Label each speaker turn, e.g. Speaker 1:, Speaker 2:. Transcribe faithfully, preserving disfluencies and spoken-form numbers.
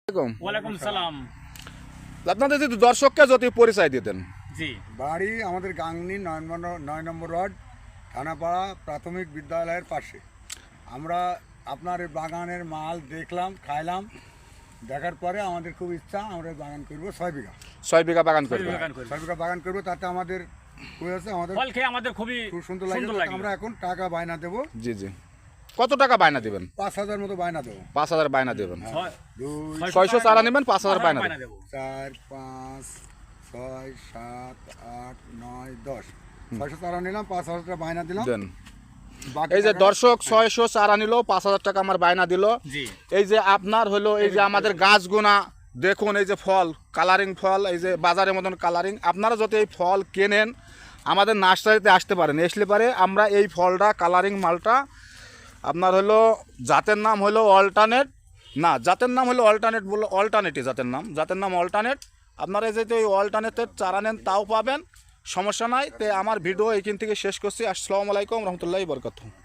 Speaker 1: ওয়ালাইকুম সালাম।
Speaker 2: আপনাদের যদি দর্শককে যদি পরিচয় দিতেন।
Speaker 1: জি,
Speaker 3: বাড়ি আমাদের গাংনি নয় নম্বর নয় নম্বর ওয়ার্ড, থানাপাড়া প্রাথমিক বিদ্যালয়ের পাশে। আমরা আপনার এই বাগানের মাল দেখলাম, খাইলাম, দেখার পরে আমাদের খুব ইচ্ছা আমরা বাগান করব ছয় বিঘা
Speaker 2: ছয় বিঘা বাগান করবেন।
Speaker 3: ছয় বিঘা বাগান করবো, তাতে আমাদের খুবই আছে, আমাদের
Speaker 1: ফল খেয়ে আমাদের খুবই
Speaker 3: খুব সুন্দর
Speaker 1: সুন্দর
Speaker 3: লাগে।
Speaker 1: লাগে।
Speaker 3: আমরা এখন টাকা বায়না দেবো,
Speaker 2: জি জি। কত টাকা বায়না দিবেন?
Speaker 3: পাঁচ হাজার মতো বায়না দেবো।
Speaker 2: পাঁচ হাজার বায়না দেবেন।
Speaker 1: ছয়-
Speaker 3: দুই
Speaker 2: ছয়শো চারা নেবেন, পাঁচ হাজার বায়না
Speaker 1: বায়না
Speaker 2: দেবেন।
Speaker 1: দেবো।
Speaker 3: চার পাঁচ ছয় সাত আট নয় দশ ছয়শো চারা নিলাম, পাঁচ হাজার টাকা বায়না দিলাম।
Speaker 2: দেন।
Speaker 3: বাকি
Speaker 2: এই যে
Speaker 3: টাকা-
Speaker 2: দর্শক ছয়শো চারা নিল, পাঁচ হাজার টাকা আমার বায়না দিল।
Speaker 1: জি,
Speaker 2: এই যে আপনার হলো এই যে আমাদের গাছগুনা দেখুন, এই যে ফল কালারিং ফল, এই যে বাজারের মতন কালারিং। আপনারা যদি এই ফল কেনেন আমাদের নার্সারিতে আসতে পারেন, আসলে পারে আমরা এই ফলটা কালারিং মালটা আপনার হলো জাতের নাম হলো অল্টারনেট, না জাতের নাম হলো অল্টারনেট বললো অল্টারনেটই জাতের নাম, জাতের নাম অল্টারনেট। আপনারা যদি ওই অল্টারনেটের চারা নেন তাও পাবেন, সমস্যা নাই। তো আমার ভিডিও এইখান থেকে শেষ করছি। আসসালামু আলাইকুম রহমতুল্লাহি বরকাতুহু।